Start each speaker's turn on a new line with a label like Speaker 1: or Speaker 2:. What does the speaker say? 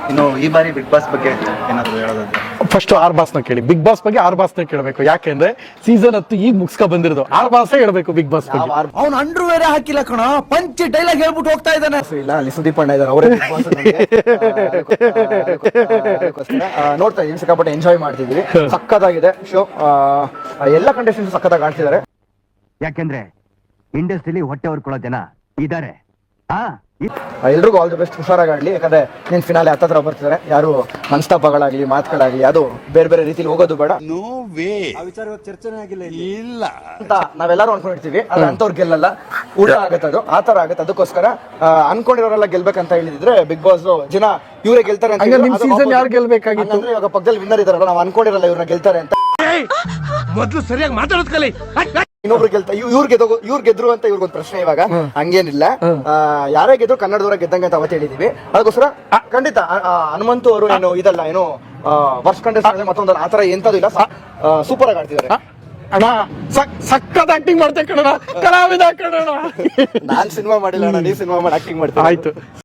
Speaker 1: ಇನ್ನು ಈ ಬಾರಿ ಬಿಗ್ ಬಾಸ್ ಬಗ್ಗೆ ಏನಾದ್ರು ಹೇಳೋದಾದ್ರೆ
Speaker 2: ಫಸ್ಟ್ ಆರ್ ಬಾಸ್ನ ಕೇಳಿ. ಬಿಗ್ ಬಾಸ್ ಬಗ್ಗೆ ಆರ್ ಬಾಸ್ನ ಕೇಳಬೇಕು. ಯಾಕೆಂದ್ರೆ ಸೀಸನ್ 10 ಈಗ ಮುಗಿಸ್ಕೊ ಬಂದಿರೋದು. ಆರ್ ಬಾಸೇ ಹೇಳ್ಬೇಕು ಬಿಗ್ ಬಾಸ್ ಬಗ್ಗೆ.
Speaker 3: ಅವ್ನು ಅಂಡ್ರು ಬೇರೆ ಹಾಕಿಲ್ಲ ಕಣ, ಪಂಚ್ ಡೈಲಾಗ್ ಹೇಳ್ಬಿಟ್ಟು ಹೋಗ್ತಾ ಇದ್ದಾನೆ.
Speaker 1: ಇಲ್ಲ, ಅಲ್ಲಿ ಸುದೀಪ್ ಅಣ್ಣ ಇದ್ದಾರೆ, ಅವರೇ ನೋಡ್ತಾ ಇದೀವಿ, ಸಿಕ್ಕಾಪಟ್ಟೆ ಎಂಜಾಯ್ ಮಾಡ್ತಿದ್ವಿ. ಸಕ್ಕತ್ತಾಗಿದೆ ಶೋ. ಎಲ್ಲ ಕಂಟೆಸ್ಟೆಂಟ್ಸ್ ಸಕ್ಕತ್ತಾಗಿ ಆಡ್ತಿದ್ದಾರೆ.
Speaker 4: ಯಾಕೆಂದ್ರೆ ಇಂಡಸ್ಟ್ರಿಲಿ ಹೊಟ್ಟೆ ಹೊರ್ಕೊಳ್ಳೋ ಜನ ಇದಾರೆ.
Speaker 1: ಎಲ್ರಿಗೂ ಆಲ್ ದಿ ಬೆಸ್ಟ್, ಹುಷಾರಾಗಿ ಆಡ್ಲಿ. ಯಾಕಂದ್ರೆ ನೀನ್ ಫಿನಾಲೆ ಹತ್ತತ್ರ ಬರ್ತಿದ್ದಾರೆ. ಯಾರು ಮನಸ್ತಾಪಗಳಾಗ್ಲಿ ಮಾತುಗಳಾಗ್ಲಿ ಅದು ಬೇರೆ ಬೇರೆ ರೀತಿಲಿ ಹೋಗೋದು ಬೇಡ.
Speaker 3: ಚರ್ಚೆನೇ ಆಗಿಲ್ಲ
Speaker 1: ಇಲ್ಲ ಅಂತ ನಾವೆಲ್ಲರೂ ಅನ್ಕೊಂಡಿರ್ತೀವಿ. ಅದ್ರ ಅಂತವ್ರು ಗೆಲ್ಲಲ್ಲ, ಉಲ್ಟಾ ಆಗತ್ತೆ, ಅದು ಆತರ ಆಗತ್ತೆ. ಅದಕ್ಕೋಸ್ಕರ ಅನ್ಕೊಂಡಿರೋರೆಲ್ಲ ಗೆಲ್ಬೇಕಂತ ಹೇಳಿದ್ರೆ ಬಿಗ್ ಬಾಸ್ ಜನ ಇವರೇ ಗೆಲ್ತಾರೆ ಅಂತ.
Speaker 2: ನಿಮ್ ಸೀಸನ್ ಯಾರು ಗೆಲ್ಬೇಕಾಗಿತ್ತು?
Speaker 1: ಇವಾಗ ಪಕ್ಕದಲ್ಲಿ ವಿನ್ನರ್ ಇದಾರಲ್ಲ, ನಾವು ಅನ್ಕೊಂಡಿರಲ್ಲ ಇವ್ರನ್ನ ಗೆಲ್ತಾರೆ ಅಂತ.
Speaker 3: ಮೊದ್ಲು ಸರಿಯಾಗಿ ಮಾತಾಡೋದ್ ಕಲಿ.
Speaker 1: ಇನ್ನೊಬ್ರು ಗೆಲ್ತಾ ಇವ್ರು ಗೆದ್ರು ಅಂತ ಇವ್ರಿಗೊಂದು ಪ್ರಶ್ನೆ. ಇವಾಗ ಹಂಗೇನಿಲ್ಲ, ಯಾರೇ ಗೆದ್ರು ಕನ್ನಡದವರ ಗೆದ್ದಂಗೆ ಅಂತ ಅವತ್ತು ಹೇಳಿದೀವಿ. ಅದಕ್ಕೋಸ್ಕರ ಖಂಡಿತ ಹನುಮಂತು ಅವರು ಏನು ಇದಲ್ಲ, ಏನು ವರ್ಷ ಕಂಟೆಸ್ಟೆಂಟ್ ಮತ್ತೊಂದಲ್ಲ, ಆತರ ಎಂತದ್ದು ಇಲ್ಲ. ಸೂಪರ್ ಆಗಿ ಆಡ್ತಿದ್ದಾರೆ.
Speaker 2: ಅಣ್ಣ ಸಕ್ಕತ್ ಆಕ್ಟಿಂಗ್ ಮಾಡ್ತೇವೆ ಕಣ, ಕಲಾವಿದ ಕಣ.
Speaker 1: ನಾನ್ ಸಿನಿಮಾ ಮಾಡಿಲ್ಲ ಅಣ್ಣ, ನೀವು ಸಿನಿಮಾ ಮಾಡಿ ಆಕ್ಟಿಂಗ್ ಮಾಡ್ತೀವಿ.
Speaker 2: ಆಯ್ತು.